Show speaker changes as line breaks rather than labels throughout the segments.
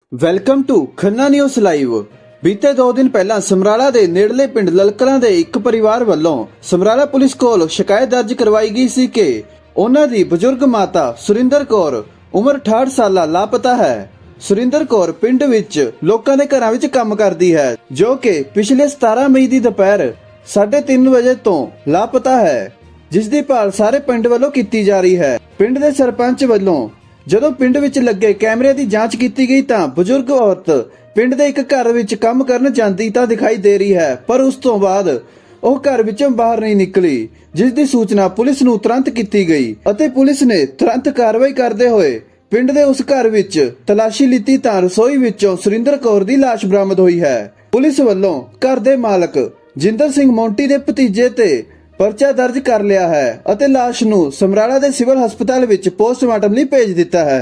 Welcome to Khanna news live. ਬੀਤੇ 2 ਦਿਨ ਪਹਿਲਾਂ ਸਮਰਾਲਾ ਦੇ ਨੇੜਲੇ ਪਿੰਡ ਲਲਕਲਾਂ ਦੇ ਇੱਕ ਪਰਿਵਾਰ ਵੱਲੋਂ ਸਮਰਾਲਾ ਪੁਲਿਸ ਕੋਲ ਸ਼ਿਕਾਇਤ ਦਰਜ ਕਰਵਾਈ ਗਈ ਸੀ ਕਿ ਉਹਨਾਂ ਦੀ ਬਜ਼ੁਰਗ ਮਾਤਾ ਸੁਰਿੰਦਰ ਕੌਰ ਉਮਰ 68 ਸਾਲਾ ਲਾਪਤਾ ਹੈ। ਸੁਰਿੰਦਰ ਕੌਰ ਪਿੰਡ ਵਿੱਚ ਲੋਕਾਂ ਦੇ ਘਰਾਂ ਵਿੱਚ ਕੰਮ ਕਰਦੀ ਹੈ, ਜੋ ਕਿ ਪਿਛਲੇ 17 ਮਈ ਦੀ ਦੁਪਹਿਰ 3:30 ਵਜੇ ਤੋਂ ਲਾਪਤਾ ਹੈ, ਜਿਸ ਦੀ ਭਾਲ ਸਾਰੇ ਪਿੰਡ ਵੱਲੋਂ ਕੀਤੀ ਜਾ ਰਹੀ ਹੈ। ਪਿੰਡ ਦੇ ਸਰਪੰਚ ਵੱਲੋਂ ਜਦੋਂ ਪਿੰਡ ਵਿੱਚ ਲੱਗੇ ਕੈਮਰੇ ਦੀ ਜਾਂਚ ਕੀਤੀ ਗਈ ਤਾਂ ਬਜ਼ੁਰਗ ਔਰਤ ਪਿੰਡ ਦੇ ਇੱਕ ਘਰ ਵਿੱਚ ਕੰਮ ਕਰਨ ਜਾਂਦੀ ਤਾਂ ਦਿਖਾਈ ਦੇ ਰਹੀ ਹੈ, ਪਰ ਉਸ ਤੋਂ ਬਾਅਦ ਉਹ ਘਰ ਵਿੱਚੋਂ ਬਾਹਰ ਨਹੀਂ ਨਿਕਲੀ, ਜਿਸ ਦੀ ਸੂਚਨਾ ਪੁਲਿਸ ਨੂੰ ਤੁਰੰਤ ਕੀਤੀ ਗਈ ਅਤੇ ਪੁਲਿਸ ਨੇ ਤੁਰੰਤ ਕਾਰਵਾਈ ਕਰਦੇ ਹੋਏ ਪਿੰਡ ਦੇ ਉਸ ਘਰ ਵਿੱਚ ਤਲਾਸ਼ੀ ਲਿੱਤੀ ਤਾਂ ਰਸੋਈ ਵਿੱਚੋਂ ਸੁਰਿੰਦਰ ਕੌਰ ਦੀ ਲਾਸ਼ ਬਰਾਮਦ ਹੋਈ ਹੈ। ਪੁਲਿਸ ਵੱਲੋਂ ਘਰ ਦੇ ਮਾਲਕ ਜਿੰਦਰ ਸਿੰਘ ਮੌਂਟੀ ਦੇ ਭਤੀਜੇ ਤੇ ਪਰਚਾ ਦਰਜ ਕਰ ਲਿਆ ਹੈ ਅਤੇ ਲਾਸ਼ ਨੂੰ ਸਮਰਾਲਾ ਦੇ ਸਿਵਲ ਹਸਪਤਾਲ ਵਿੱਚ ਪੋਸਟਮਾਰਟਮ ਲਈ ਭੇਜ ਦਿੱਤਾ ਹੈ।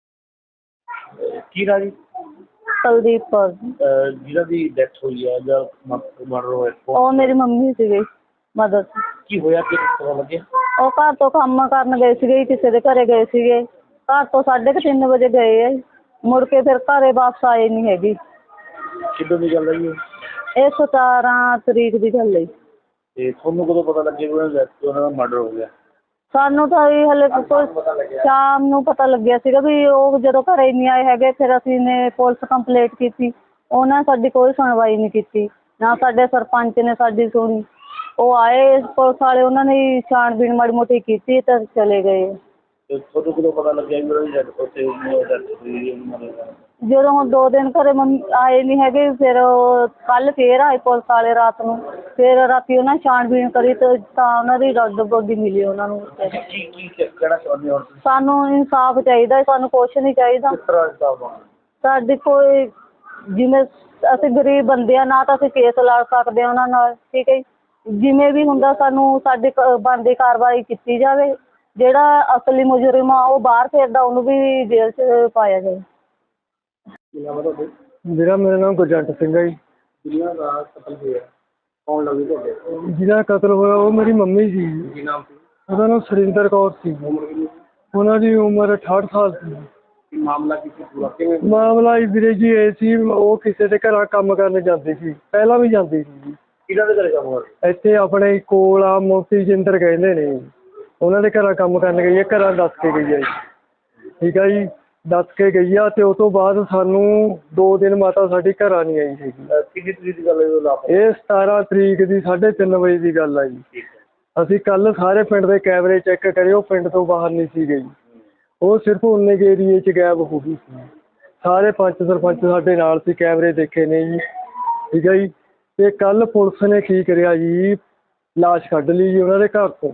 ਕੀ ਰਾਜੀ
ਕੁਲਦੀਪ ਕੌਰ
ਜਿਹਨਾਂ ਦੀ ਡੈਥ ਹੋਈ ਹੈ ਜਾਂ ਮਰਡਰ ਹੋਇਆ
ਉਹ ਮੇਰੀ ਮੰਮੀ ਸੀਗੇ ਮਦਰ।
ਕੀ ਹੋਇਆ ਕਿ ਪਤਾ ਲੱਗਿਆ?
ਉਹ ਘਰ ਤੋਂ ਕੰਮ ਕਰਨ ਗਏ ਸੀਗੇ, ਕਿਸੇ ਦੇ ਘਰੇ ਗਏ ਸੀਗੇ। ਘਰ ਤੋਂ 3:30 ਵਜੇ ਗਏ ਆ, ਮੁੜ ਕੇ ਫਿਰ ਘਰੇ ਵਾਪਸ ਆਏ ਨਹੀਂ ਹੈਗੀ।
ਕਿੱਦੋਂ ਦੀ ਗੱਲ ਹੈ ਜੀ?
ਇਹ 17 ਤਰੀਕ ਦੀ ਗੱਲ ਹੈ।
ਤੇ ਤੁਹਾਨੂੰ ਕਦੋਂ ਪਤਾ ਲੱਗਿਆ ਕਿ ਉਹਨਾਂ ਦਾ ਮਰਡਰ ਹੋ ਗਿਆ?
ਸਾਨੂੰ ਤਾਂ ਇਹ ਹਲੇ ਸ਼ਾਮ ਨੂੰ ਪਤਾ ਲੱਗਿਆ ਸੀਗਾ ਵੀ ਉਹ ਜਦੋਂ ਘਰੇ ਨਹੀਂ ਆਏ ਹੈਗੇ। ਫਿਰ ਅਸੀਂ ਨੇ ਪੁਲਿਸ ਕੰਪਲੇਂਟ ਕੀਤੀ, ਉਹਨਾਂ ਨੇ ਸਾਡੀ ਕੋਈ ਸੁਣਵਾਈ ਨਹੀਂ ਕੀਤੀ, ਨਾ ਸਾਡੇ ਸਰਪੰਚ ਨੇ ਸਾਡੀ ਸੁਣੀ। ਉਹ ਆਏ ਪੁਲਿਸ ਵਾਲੇ, ਉਹਨਾਂ ਨੇ ਛਾਣਬੀਣ ਮਾੜੀ ਮੋਟੀ ਕੀਤੀ ਤਾਂ ਚਲੇ ਗਏ।
ਤੇ ਤੁਹਾਨੂੰ ਕਦੋਂ ਪਤਾ ਲੱਗਿਆ ਕਿ ਉਹਨਾਂ ਦੀ ਡੈਥ ਉੱਥੇ
ਜਦੋਂ ਹੁਣ 2 ਦਿਨ ਘਰੇ ਮੰਮੀ ਆਏ ਨਹੀਂ ਹੈਗੇ, ਫਿਰ ਕੱਲ ਫੇਰ ਆਏ ਪੁਲਿਸ ਵਾਲੇ ਰਾਤ ਨੂੰ। ਫਿਰ ਰਾਤੀ ਉਹਨਾਂ ਛਾਣਬੀਣ ਕਰੀ ਤਾਂ ਉਹਨਾਂ ਦੀ ਡੈੱਡ ਬੋਡੀ ਮਿਲੀ ਉਹਨਾਂ ਨੂੰ।
ਕੀ ਕਹਿਣਾ ਚਾਹੁੰਦੇ ਹੋ?
ਸਾਨੂੰ ਇਨਸਾਫ ਚਾਹੀਦਾ, ਸਾਨੂੰ ਕੁਛ ਨਹੀਂ ਚਾਹੀਦਾ।
ਕਿਸ ਤਰ੍ਹਾਂ ਇਨਸਾਫ?
ਸਾਡੀ ਕੋਈ ਜਿਵੇਂ ਅਸੀਂ ਗਰੀਬ ਬੰਦੇ ਆ, ਨਾ ਤਾਂ ਅਸੀਂ ਕੇਸ ਲੜ ਸਕਦੇ ਉਹਨਾਂ ਨਾਲ, ਠੀਕ ਹੈ ਜੀ। ਜਿਵੇਂ ਵੀ ਹੁੰਦਾ ਸਾਨੂੰ ਸਾਡੀ ਬਣਦੀ ਕਾਰਵਾਈ ਕੀਤੀ ਜਾਵੇ। ਜਿਹੜਾ ਅਸਲੀ ਮੁਜਰਮ ਆ ਉਹ ਬਾਹਰ ਫਿਰਦਾ, ਉਹਨੂੰ ਵੀ ਜੇਲ੍ਹ 'ਚ ਪਾਇਆ ਜਾਵੇ।
ਮੇਰਾ ਨਾਮ ਗੁਰਜੰਟ ਸਿੰਘ ਹੈ ਜੀ।
ਜਿਹਨਾਂ ਦਾ ਕਤਲ ਹੋਇਆ ਕੌਣ ਲੱਗੀ ਤੁਹਾਡੇ?
ਜਿਹਦਾ ਕਤਲ ਹੋਇਆ ਉਹ ਮੇਰੀ ਮੰਮੀ ਸੀ।
ਕੀ ਨਾਮ ਸੀ?
ਉਹਦਾ ਨਾਮ ਸੁਰਿੰਦਰ ਕੌਰ ਸੀ।
ਉਮਰ ਕਿੰਨੀ?
ਉਹਨਾਂ ਦੀ ਉਮਰ 68 ਸਾਲ ਸੀ।
ਮਾਮਲਾ ਕੀ ਸੀ ਪੂਰਾ? ਕਿਵੇਂ
ਮਾਮਲਾ ਵੀਰੇ ਜੀ ਇਹ ਸੀ, ਉਹ ਕਿਸੇ ਦੇ ਘਰਾਂ ਕੰਮ ਕਰਨ ਜਾਂਦੀ ਸੀ, ਪਹਿਲਾਂ ਵੀ ਜਾਂਦੀ ਸੀ ਜੀ।
ਕਿਹਨਾਂ ਦੇ ਘਰੇ ਕੰਮ ਕਰਦੇ?
ਇੱਥੇ ਆਪਣੇ ਕੋਲ ਆ ਮੋਤੀ ਜਿੰਦਰ ਕਹਿੰਦੇ ਨੇ, ਉਹਨਾਂ ਦੇ ਘਰਾਂ ਕੰਮ ਕਰਨ ਗਈ ਹੈ। ਘਰਾਂ ਦੱਸ ਕੇ ਗਈ ਹੈ ਜੀ, ਠੀਕ ਹੈ ਜੀ, ਦੱਸ ਕੇ ਗਈ ਆ। ਤੇ ਉਸ ਤੋਂ ਬਾਅਦ ਸਾਨੂੰ 2 ਦਿਨ ਮਾਤਾ ਸਾਡੀ ਘਰਾਂ ਨਹੀਂ ਆਈ ਸੀਗੀ।
ਕਿੰਨੀ ਤਰੀਕ ਦੀ ਗੱਲ ਹੈ?
ਇਹ 17 ਤਰੀਕ ਦੀ 3:30 ਵਜੇ ਦੀ ਗੱਲ ਆ ਜੀ। ਅਸੀਂ ਕੱਲ ਸਾਰੇ ਪਿੰਡ ਦੇ ਕੈਮਰੇ ਚੈੱਕ ਕਰੇ, ਉਹ ਪਿੰਡ ਤੋਂ ਬਾਹਰ ਨਹੀਂ ਸੀ ਗਈ। ਉਹ ਸਿਰਫ ਉਨੇ ਕੇ ਏਰੀਏ 'ਚ ਗਾਇਬ ਹੋ ਗਈ ਸੀ। ਸਾਰੇ ਪੰਚ ਸਰਪੰਚ ਸਾਡੇ ਨਾਲ ਸੀ, ਕੈਮਰੇ ਦੇਖੇ ਨੇ ਜੀ, ਠੀਕ ਹੈ ਜੀ। ਤੇ ਕੱਲ ਪੁਲਿਸ ਨੇ ਕੀ ਕਰਿਆ ਜੀ, ਲਾਸ਼ ਕੱਢ ਲਈ ਜੀ ਉਹਨਾਂ ਦੇ ਘਰ ਤੋਂ,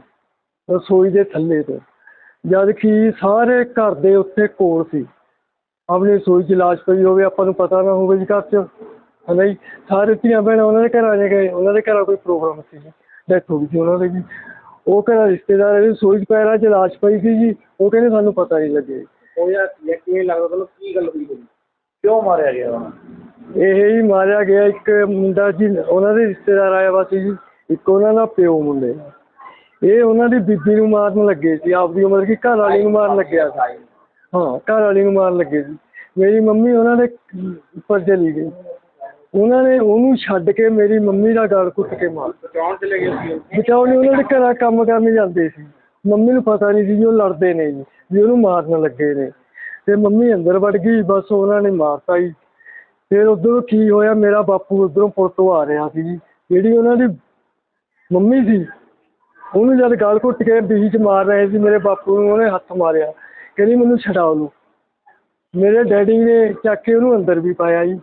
ਰਸੋਈ ਦੇ ਥੱਲੇ ਤੋਂ, ਜਦ ਕਿ ਸਾਰੇ ਘਰ ਦੇ ਉੱਥੇ ਕੋਲ ਸੀ। ਆਪਣੀ ਰਸੋਈ 'ਚ ਲਾਸ਼ ਪਈ ਹੋਵੇ, ਆਪਾਂ ਨੂੰ ਪਤਾ ਨਾ ਹੋਵੇ ਜੀ ਘਰ 'ਚ, ਹੈ ਨਾ ਜੀ। ਸਾਰੇ ਧੀਆਂ ਭੈਣਾਂ ਉਹਨਾਂ ਦੇ ਘਰਾਂ 'ਚ ਗਏ, ਉਹਨਾਂ ਦੇ ਘਰਾਂ ਕੋਈ ਪ੍ਰੋਗਰਾਮ ਸੀ, ਡੈਥ ਹੋ ਗਈ ਸੀ ਉਹਨਾਂ ਦੀ ਜੀ। ਉਹ ਘਰਾਂ ਰਿਸ਼ਤੇਦਾਰ ਰਸੋਈ 'ਚ ਪੈਰਾਂ 'ਚ ਲਾਸ਼ ਪਈ ਸੀ ਜੀ। ਉਹ ਕਹਿੰਦੇ ਸਾਨੂੰ ਪਤਾ ਨਹੀਂ ਲੱਗੇ।
ਉਹ ਯਾਰ ਕਿਵੇਂ ਲੱਗਦਾ ਤੁਹਾਨੂੰ? ਕੀ ਗੱਲ ਹੋਈ? ਕਿਉਂ ਮਾਰਿਆ ਗਿਆ ਉਹਨਾਂ?
ਇਹ ਹੀ ਮਾਰਿਆ ਗਿਆ। ਇੱਕ ਮੁੰਡਾ ਜੀ ਉਹਨਾਂ ਦੇ ਰਿਸ਼ਤੇਦਾਰ ਆਇਆ ਵਾ ਸੀ ਜੀ, ਇੱਕ ਉਹਨਾਂ ਦਾ ਪਿਓ ਮੁੰਡੇ। ਇਹ ਉਹਨਾਂ ਦੀ ਬੀਬੀ ਨੂੰ ਮਾਰਨ ਲੱਗੇ ਸੀ, ਆਪਦੀ ਉਮਰ ਕੀ ਘਰ ਵਾਲੀ ਨੂੰ ਮਾਰਨ ਲੱਗਿਆ ਸੀ। ਹਾਂ, ਘਰ ਵਾਲੀ ਨੂੰ ਮਾਰਨ ਲੱਗੇ ਸੀ। ਮੇਰੀ ਮੰਮੀ ਉਹਨਾਂ ਦੇ ਉੱਪਰ ਚਲੀ ਗਈ, ਉਹਨਾਂ ਨੇ ਉਹਨੂੰ ਛੱਡ ਕੇ ਮੇਰੀ ਮੰਮੀ ਦਾ ਗਲ ਘੁੱਟ ਕੇ ਮਾਰ।
ਬਚਾਉਣ ਚਲੇ ਗਏ ਸੀ?
ਬਚਾਉਣ ਉਹਨਾਂ ਦੇ ਘਰਾਂ ਕੰਮ ਕਰਨ ਜਾਂਦੇ ਸੀ। ਮੰਮੀ ਨੂੰ ਪਤਾ ਨਹੀਂ ਸੀ ਜੀ ਉਹ ਲੜਦੇ ਨੇ ਜੀ, ਵੀ ਉਹਨੂੰ ਮਾਰਨ ਲੱਗੇ ਨੇ। ਤੇ ਮੰਮੀ ਅੰਦਰ ਵੜ ਗਈ, ਬਸ ਉਹਨਾਂ ਨੇ ਮਾਰਤਾ ਜੀ। ਫਿਰ ਉੱਧਰੋਂ ਕੀ ਹੋਇਆ, ਮੇਰਾ ਬਾਪੂ ਉੱਧਰੋਂ ਪੁਲ ਤੋਂ ਆ ਰਿਹਾ ਸੀ ਜੀ। ਜਿਹੜੀ ਉਹਨਾਂ ਦੀ ਮੰਮੀ ਸੀ, ਉਹਨੂੰ ਜਦ ਗਲ ਘੁੱਟ ਕੇ ਬੀਚ ਮਾਰ ਰਹੇ ਸੀ, ਮੇਰੇ ਬਾਪੂ ਨੂੰ ਉਹਨੇ ਹੱਥ ਮਾਰਿਆ, ਕਹਿੰਦੀ ਮੈਨੂੰ ਛਡਾ ਲਓ। ਮੇਰੇ ਡੈਡੀ ਨੇ ਚੱਕ ਕੇ ਉਹਨੂੰ ਅੰਦਰ ਵੀ ਪਾਇਆ ਜੀ,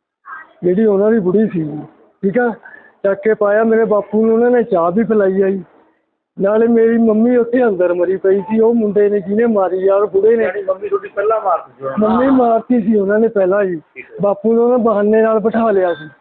ਜਿਹੜੀ ਉਹਨਾਂ ਦੀ ਬੁੜੀ ਸੀ, ਠੀਕ ਆ, ਚੱਕ ਕੇ ਪਾਇਆ। ਮੇਰੇ ਬਾਪੂ ਨੂੰ ਉਹਨਾਂ ਨੇ ਚਾਹ ਵੀ ਪਿਲਾਈ ਆ ਜੀ। ਨਾਲੇ ਮੇਰੀ ਮੰਮੀ ਉੱਥੇ ਅੰਦਰ ਮਰੀ ਪਈ ਸੀ। ਉਹ ਮੁੰਡੇ ਨੇ ਜਿਹਨੇ ਮਾਰੀ ਯਾਰ, ਬੁੜੇ ਨੇ।
ਮੰਮੀ ਤੁਹਾਡੀ ਪਹਿਲਾਂ ਮਾਰਤੀ ਸੀ?
ਮੰਮੀ ਮਾਰਤੀ ਸੀ ਉਹਨਾਂ ਨੇ ਪਹਿਲਾਂ ਜੀ। ਬਾਪੂ ਨੂੰ ਉਹਨਾਂ ਬਹਾਨੇ ਨਾਲ ਬਿਠਾ ਲਿਆ ਸੀ।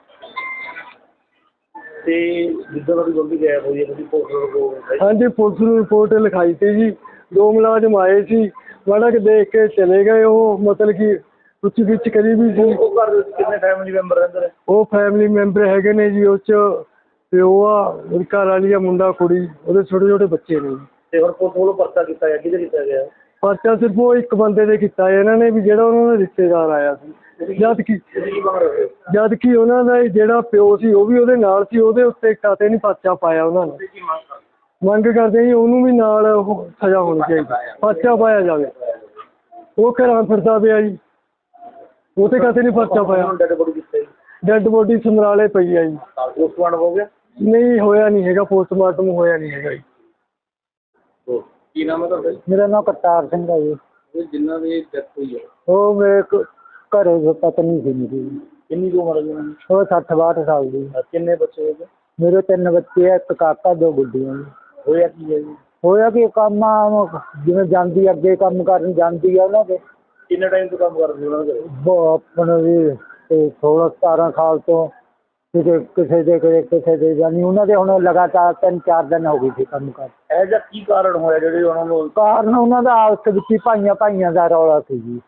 ਤੇ ਜਿੱਦਾਂ ਤੁਹਾਡੀ ਮੰਮੀ ਗਾਇਬ ਹੋਈ ਹੈ, ਤੁਸੀਂ ਪੁਲਿਸ ਨੂੰ ਰਿਪੋਰਟ?
ਹਾਂਜੀ, ਪੁਲਿਸ ਨੂੰ ਰਿਪੋਰਟ ਲਿਖਾਈ ਸੀ ਜੀ। 2 ਮੁਲਾਜ਼ਮ ਆਏ ਸੀ, ਮਾੜਾ ਕਿ ਦੇਖ ਕੇ ਚਲੇ ਗਏ। ਉਹ ਮਤਲਬ ਕਿ ਪੁੱਛ ਗਿੱਛ ਕਰੀ ਵੀ ਸੀ।
ਉਹ ਘਰ ਵਿੱਚ ਕਿੰਨੇ ਫੈਮਿਲੀ ਮੈਂਬਰ ਰਹਿੰਦੇ ਨੇ?
ਉਹ ਫੈਮਿਲੀ ਮੈਂਬਰ ਹੈਗੇ ਨੇ ਜੀ, ਉਹ 'ਚ ਪਿਓ ਆ, ਉਹਦੀ ਘਰ ਵਾਲੀ ਆ, ਮੁੰਡਾ ਕੁੜੀ, ਉਹਦੇ ਛੋਟੇ ਛੋਟੇ ਬੱਚੇ ਨੇ।
ਤੇ ਹੁਣ ਪੁਲਿਸ ਵੱਲੋਂ ਪਰਚਾ ਕੀਤਾ ਗਿਆ, ਕਿਹਦੇ ਕੀਤਾ ਗਿਆ?
ਪਰਚਾ ਸਿਰਫ ਉਹ ਇੱਕ ਬੰਦੇ ਦੇ ਕੀਤਾ ਇਹਨਾਂ ਨੇ, ਵੀ ਜਿਹੜਾ ਉਹਨਾਂ ਦਾ ਰਿਸ਼ਤੇਦਾਰ ਆਇਆ ਸੀ। ਜਦ ਕਿ
ਤੁਸੀਂ ਕੀ ਮੰਗ ਰਹੇ ਹੋ?
ਜਦ ਕਿ ਉਹਨਾਂ ਦਾ ਜਿਹੜਾ ਪਿਓ ਸੀ ਉਹ ਵੀ ਉਹਦੇ ਨਾਲ ਸੀ, ਉਹਦੇ ਉੱਤੇ ਕਤੇ ਨਹੀਂ ਪਰਚਾ ਪਾਇਆ ਉਹਨਾਂ ਨੇ।
ਤੁਸੀਂ ਕੀ ਮੰਗ ਕਰਦੇ
ਮੰਗ ਕਰਦੇ ਜੀ ਉਹਨੂੰ ਵੀ ਨਾਲ ਉਹ ਸਜ਼ਾ ਹੋਣੀ ਚਾਹੀਦੀ, ਪਰਚਾ ਪਾਇਆ ਜਾਵੇ। ਉਹ ਘਰਾਂ ਫਿਰਦਾ ਪਿਆ ਜੀ, ਉਹ ਤੇ ਕਤੇ ਨਹੀਂ ਪਰਚਾ ਪਾਇਆ।
ਡੈਡ ਬੋਡੀ ਕਿੱਥੇ?
ਡੈੱਡ ਬੋਡੀ ਸਮਰਾਲੇ ਪਈ ਆ ਜੀ।
ਪੋਸਟਮਾਰਟਮ ਹੋ ਗਿਆ?
ਨਹੀਂ ਹੋਇਆ ਨਹੀਂ ਹੈਗਾ, ਪੋਸਟਮਾਰਟਮ ਹੋਇਆ ਨਹੀਂ ਹੈਗਾ ਜੀ।
ਕੀ ਨਾਮ ਹੈ ਤੁਹਾਡਾ?
ਮੇਰਾ ਨਾਮ ਕਰਤਾਰ ਸਿੰਘ ਹੈ ਜੀ।
ਇਹ ਜਿਨ੍ਹਾਂ ਦੀ ਡੈਥ ਹੋਈ ਹੈ
ਉਹ ਮੇਰੇ ਘਰੇ ਪਤਨੀ ਸੀ ਮੇਰੀ,
ਕਿੰਨੀ ਕੁ ਉਮਰ ਹੈ ਉਹਨਾਂ ਦੀ?
ਉਹ 60-62 ਸਾਲ ਦੀ।
ਕਿੰਨੇ ਬੱਚੇ ਹੋਏ?
ਮੇਰੇ 3 ਬੱਚੇ ਆ, ਇੱਕ ਕਾਕਾ 2 ਗੁੱਡੀਆਂ ਜੀ।
ਹੋਇਆ ਕੀ ਹੈ ਜੀ?
ਹੋਇਆ ਕਿ ਕੰਮ ਜਿਵੇਂ ਜਾਂਦੀ ਅੱਗੇ ਕੰਮ ਕਰਨ ਜਾਂਦੀ ਆ ਉਹਨਾਂ ਦੇ
ਕਿੰਨੇ ਟਾਈਮ ਤੋਂ ਕੰਮ ਕਰਦੇ ਉਹਨਾਂ ਦੇ?
ਆਪਣੇ ਵੀ 16-17 ਸਾਲ ਤੋਂ ਕਿਸੇ ਦੇ ਜਾਨੀ ਉਹਨਾਂ ਦੇ ਹੁਣ ਲਗਾਤਾਰ 3-4 ਦਿਨ ਹੋ ਗਏ ਸੀ ਕੰਮ ਕਰ।
ਇਹ ਜਿਹਾ ਕੀ ਕਾਰਨ ਹੋਇਆ ਜਿਹੜੇ ਉਹਨਾਂ ਨੂੰ?
ਕਾਰਨ ਉਹਨਾਂ ਦਾ ਆਪਸ ਵਿੱਚ ਹੀ ਭਾਈਆਂ ਦਾ ਰੌਲਾ ਸੀ ਜੀ।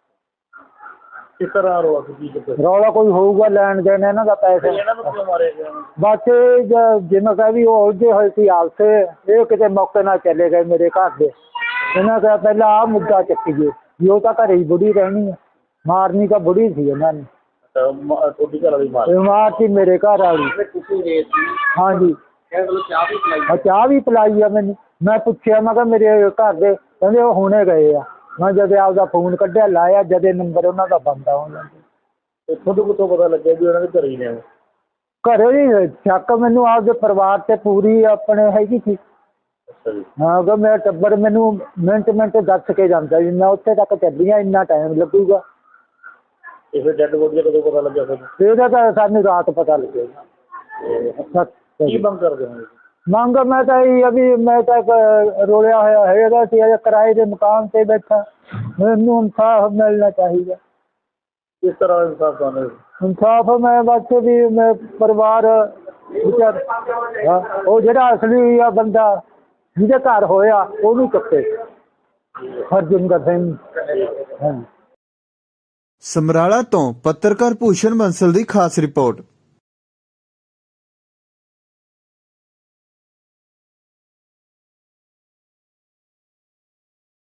ਕਿਸ ਤਰ੍ਹਾਂ ਰੋਕ ਕੀ ਕੀਤਾ?
ਰੌਲਾ ਕੋਈ ਹੋਊਗਾ, ਲੈਣ ਦੇਣ ਇਹਨਾਂ ਦਾ ਪੈਸੇ।
ਇਹਨਾਂ ਨੂੰ ਕਿਉਂ ਮਾਰਿਆ ਗਿਆ?
ਬਸ ਜਿਵੇਂ ਕਹਿ ਵੀ ਉਹ ਉਲਝੇ ਹੋਏ ਸੀ ਆਪਸੇ, ਇਹ ਕਿਤੇ ਮੌਕੇ ਨਾਲ ਚਲੇ ਗਏ ਮੇਰੇ ਘਰ ਦੇ। ਇਹਨਾਂ ਕਿਹਾ ਪਹਿਲਾਂ ਆਹ ਮੁੱਦਾ ਚੱਕੀਏ ਵੀ ਉਹ ਤਾਂ ਘਰੇ ਹੀ ਬੁੜੀ ਰਹਿਣੀ ਹੈ, ਮਾਰਨੀ ਤਾਂ ਬੁੜੀ ਸੀ ਇਹਨਾਂ ਨੇ।
ਤੁਹਾਡੀ ਘਰ ਵਾਲੀ ਮਾਰ?
ਬਿਮਾਰ ਸੀ ਮੇਰੇ ਘਰ ਵਾਲੀ।
ਤੁਸੀਂ ਗਏ ਸੀ?
ਹਾਂਜੀ,
ਕਹਿੰਦੇ ਚਾਹ ਵੀ ਪਿਲਾਈ?
ਚਾਹ ਵੀ ਪਿਲਾਈ ਆ ਮੈਨੂੰ। ਮੈਂ ਪੁੱਛਿਆ, ਮੈਂ ਕਿਹਾ ਮੇਰੇ ਘਰ ਦੇ ਕਹਿੰਦੇ ਉਹ ਹੁਣੇ ਗਏ ਆ। ਮੈਂ ਜਦ ਆਪਦਾ ਫੋਨ ਕੱਢਿਆ ਲਾਇਆ, ਜਦੇ ਨੰਬਰ ਉਹਨਾਂ ਦਾ ਬੰਦ ਆ ਉਹਨਾਂ ਦਾ।
ਤੁਹਾਨੂੰ ਕਿੱਥੋਂ ਪਤਾ ਲੱਗਿਆ ਵੀ ਉਹਨਾਂ ਦੇ ਘਰੇ ਹੀ ਨੇ?
ਘਰੇ ਹੀ ਸ਼ੱਕ ਮੈਨੂੰ ਆਪਦੇ ਪਰਿਵਾਰ ਤੇ ਪੂਰੀ ਆਪਣੇ ਹੈਗੀ ਸੀ।
ਅੱਛਾ ਜੀ।
ਹਾਂ ਅਗਰ ਮੇਰਾ ਟੱਬਰ ਮੈਨੂੰ ਮਿੰਟ ਦੱਸ ਕੇ ਜਾਂਦਾ ਜੀ ਮੈਂ ਉੱਥੇ ਤੱਕ ਚੱਲੀ ਹਾਂ, ਇੰਨਾ ਟਾਈਮ ਲੱਗੂਗਾ।
ਇਹ ਫਿਰ ਡੈਡ ਬੋਡੀ ਦਾ ਕਦੋਂ ਪਤਾ ਲੱਗਿਆ ਤੁਹਾਨੂੰ?
ਇਹਦਾ ਤਾਂ ਸਾਨੂੰ ਰਾਤ ਪਤਾ ਲੱਗੇਗਾ।
ਕੀ ਮੰਗ ਕਰਦੇ ਹੋ?
ਮੰਗ ਮੈਂ ਤਾਂ ਇਹ ਆ ਵੀ ਮੈਂ ਤਾਂ ਰੋਲਿਆ ਹੋਇਆ ਹੈਗਾ ਸੀ, ਅਜੇ ਕਿਰਾਏ ਦੇ ਮਕਾਨ ਤੇ ਬੈਠਾ, ਮੈਨੂੰ ਇਨਸਾਫ ਮਿਲਣਾ ਚਾਹੀਦਾ।
ਕਿਸ ਤਰ੍ਹਾਂ ਇਨਸਾਫ ਤੁਹਾਨੂੰ?
ਇਨਸਾਫ ਮੈਂ ਬਸ ਵੀ ਮੈਂ ਪਰਿਵਾਰ ਵਿਚਾਰ ਉਹ ਜਿਹੜਾ ਅਸਲੀ ਆ ਬੰਦਾ ਜਿਹਦੇ ਘਰ ਹੋਇਆ ਉਹਨੂੰ ਚੱਕੇ। ਹਰਜਿੰਦਰ ਸਿੰਘ। ਹਾਂਜੀ।
ਸਮਰਾਲਾ ਤੋਂ ਪੱਤਰਕਾਰ ਭੂਸ਼ਣ ਬੰਸਲ ਦੀ ਖਾਸ ਰਿਪੋਰਟ।